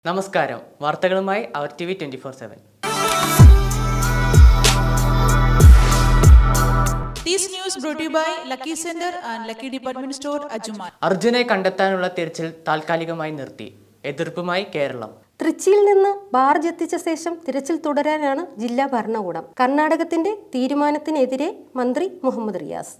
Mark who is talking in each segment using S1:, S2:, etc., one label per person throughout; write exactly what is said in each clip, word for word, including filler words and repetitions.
S1: നമസ്കാരം. വാർത്തകളുമായി അവർ T V twenty four seven. അർജുനെ കണ്ടെത്താനുള്ള തിരച്ചിൽ താൽക്കാലികമായി നിർത്തി. എതിർപ്പുമായി കേരളം.
S2: തൃച്ചിയിൽ നിന്ന് ബാർജ് എത്തിച്ച ശേഷം തിരച്ചിൽ തുടരാനാണ് ജില്ലാ ഭരണകൂടം. കർണാടകത്തിന്റെ തീരുമാനത്തിനെതിരെ മന്ത്രി മുഹമ്മദ് റിയാസ്.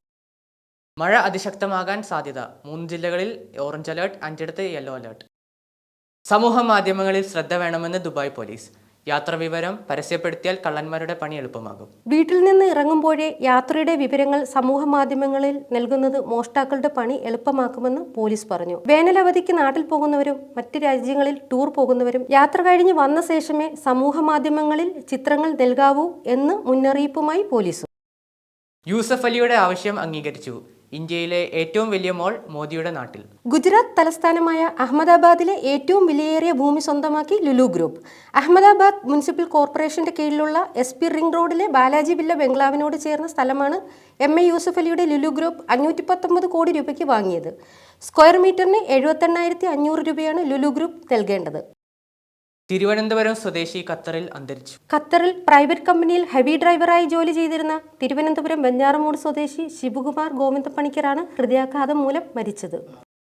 S1: മഴ അതിശക്തമാകാൻ സാധ്യത. മൂന്ന് ജില്ലകളിൽ ഓറഞ്ച് അലേർട്ട്, അഞ്ചിടത്ത് യെല്ലോ അലേർട്ട്. സമൂഹ മാധ്യമങ്ങളിൽ ശ്രദ്ധ വേണമെന്ന് ദുബായ് പോലീസ്. യാത്രാ വിവരം പരസ്യപ്പെടുത്തിയാൽ കള്ളന്മാരുടെ പണി എളുപ്പമാകും.
S2: വീട്ടിൽ നിന്ന് ഇറങ്ങുമ്പോഴേ യാത്രയുടെ വിവരങ്ങൾ സമൂഹ മാധ്യമങ്ങളിൽ നൽകുന്നത് മോഷ്ടാക്കളുടെ പണി എളുപ്പമാക്കുമെന്ന് പോലീസ് പറഞ്ഞു. വേനലവധിക്ക് നാട്ടിൽ പോകുന്നവരും മറ്റ് രാജ്യങ്ങളിൽ ടൂർ പോകുന്നവരും യാത്ര കഴിഞ്ഞ് വന്ന ശേഷമേ സമൂഹ മാധ്യമങ്ങളിൽ ചിത്രങ്ങൾ നൽകാവൂ എന്ന് മുന്നറിയിപ്പുമായി പോലീസ്.
S1: യൂസഫ് അലിയുടെ ആവശ്യം അംഗീകരിച്ചു. ഇന്ത്യയിലെ ഏറ്റവും വലിയ മോൾ മോദിയുടെ നാട്ടിൽ.
S2: ഗുജറാത്ത് തലസ്ഥാനമായ അഹമ്മദാബാദിലെ ഏറ്റവും വിലയേറിയ ഭൂമി സ്വന്തമാക്കി ലുലു ഗ്രൂപ്പ്. അഹമ്മദാബാദ് മുനിസിപ്പൽ കോർപ്പറേഷന്റെ കീഴിലുള്ള എസ് പി റിംഗ് റോഡിലെ ബാലാജി വില്ല ബംഗ്ലാവിനോട് ചേർന്ന സ്ഥലമാണ് എം എ യൂസഫ് അലിയുടെ ലുലു ഗ്രൂപ്പ് അഞ്ഞൂറ്റി പത്തൊമ്പത് കോടി രൂപയ്ക്ക് വാങ്ങിയത്. സ്ക്വയർ മീറ്ററിന് എഴുപത്തെണ്ണായിരത്തി അഞ്ഞൂറ് രൂപയാണ് ലുലു ഗ്രൂപ്പ് നൽകേണ്ടത്.
S1: തിരുവനന്തപുരം സ്വദേശി ഖത്തറിൽ അന്തരിച്ചു.
S2: ഖത്തറിൽ പ്രൈവറ്റ് കമ്പനിയിൽ ഹെവി ഡ്രൈവറായി ജോലി ചെയ്തിരുന്ന തിരുവനന്തപുരം വെഞ്ഞാറമൂട് സ്വദേശി ശിവകുമാർ ഗോവിന്ദപ്പണിക്കറാണ് ഹൃദയാഘാതം മൂലം മരിച്ചത്.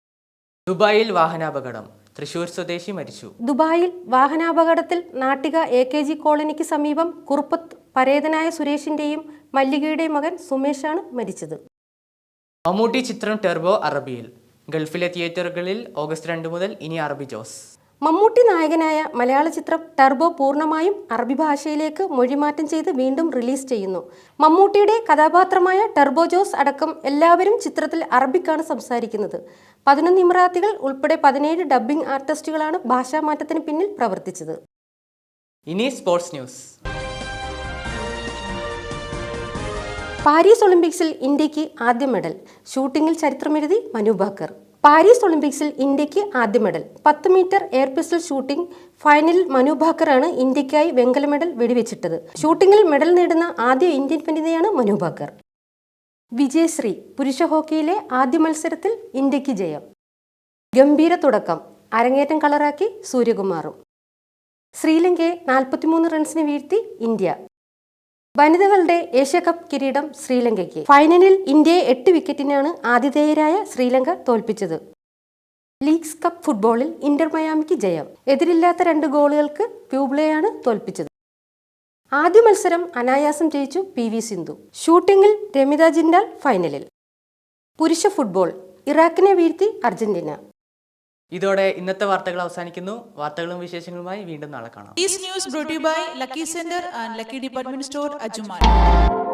S1: ദുബായിൽ വാഹനാപകടം. തൃശൂർ സ്വദേശി മരിച്ചു.
S2: ദുബായിൽ വാഹനാപകടത്തിൽ നാട്ടിക എ കെ ജി കോളനിക്ക് സമീപം കുറുപ്പത്ത് പരേതനായ സുരേഷിന്റെയും മല്ലികയുടെയും മകൻ സുമേഷാണ് മരിച്ചത്.
S1: മമ്മൂട്ടി ചിത്രം ടെർബോ അറബിയിൽ. ഗൾഫിലെ തിയേറ്ററുകളിൽ ഓഗസ്റ്റ് രണ്ട് മുതൽ ഇനി അറബി ജോസ്.
S2: മമ്മൂട്ടി നായകനായ മലയാള ചിത്രം ടെർബോ പൂർണ്ണമായും അറബി ഭാഷയിലേക്ക് മൊഴിമാറ്റം ചെയ്ത് വീണ്ടും റിലീസ് ചെയ്യുന്നു. മമ്മൂട്ടിയുടെ കഥാപാത്രമായ ടെർബോ ജോസ് അടക്കം എല്ലാവരും ചിത്രത്തിൽ അറബിക്കാണ് സംസാരിക്കുന്നത്. പതിനൊന്ന് ഇമറാത്തികൾ ഉൾപ്പെടെ പതിനേഴ് ഡബ്ബിംഗ് ആർട്ടിസ്റ്റുകളാണ് ഭാഷാമാറ്റത്തിന് പിന്നിൽ പ്രവർത്തിച്ചത്.
S1: ഇനി സ്പോർട്സ് ന്യൂസ്.
S2: പാരീസ് ഒളിമ്പിക്സിൽ ഇന്ത്യക്ക് ആദ്യ മെഡൽ. ഷൂട്ടിംഗിൽ ചരിത്രമെഴുതി മനു ഭാക്കർ. പാരീസ് ഒളിമ്പിക്സിൽ ഇന്ത്യക്ക് ആദ്യ മെഡൽ. പത്ത് മീറ്റർ എയർ പിസ്റ്റൾ ഷൂട്ടിംഗ് ഫൈനലിൽ മനു ഭാക്കറാണ് ഇന്ത്യക്കായി വെങ്കല മെഡൽ വെടിവെച്ചിട്ടത്. ഷൂട്ടിംഗിൽ മെഡൽ നേടുന്ന ആദ്യ ഇന്ത്യൻ വനിതയാണ് മനു ഭാക്കർ. വിജയശ്രീ. പുരുഷ ഹോക്കിയിലെ ആദ്യ മത്സരത്തിൽ ഇന്ത്യക്ക് ജയം. ഗംഭീര തുടക്കം. അരങ്ങേറ്റം കളറാക്കി സൂര്യകുമാറും. ശ്രീലങ്കയെ നാൽപ്പത്തിമൂന്ന് റൺസിന് വീഴ്ത്തി ഇന്ത്യ. വനിതകളുടെ ഏഷ്യ കപ്പ് കിരീടം ശ്രീലങ്കയ്ക്ക്. ഫൈനലിൽ ഇന്ത്യയെ എട്ട് വിക്കറ്റിനാണ് ആതിഥേയരായ ശ്രീലങ്ക തോൽപ്പിച്ചത്. ലീഗ്സ് കപ്പ് ഫുട്ബോളിൽ ഇന്റർ മയാമിക്ക് ജയം. എതിരില്ലാത്ത രണ്ട് ഗോളുകൾക്ക് പ്യൂബ്ലയാണ് തോൽപ്പിച്ചത്. ആദ്യ മത്സരം അനായാസം ജയിച്ചു പി വി സിന്ധു. ഷൂട്ടിംഗിൽ രമിത ജിൻഡാൽ ഫൈനലിൽ. പുരുഷ ഫുട്ബോൾ ഇറാഖിനെ വീഴ്ത്തി അർജന്റീന.
S1: ഇതോടെ ഇന്നത്തെ വാർത്തകൾ അവസാനിക്കുന്നു. വാർത്തകളും വിശേഷങ്ങളുമായി വീണ്ടും നാളെ കാണാം.
S3: This news brought to you by Lucky Center and Lucky Department Store, Ajmal.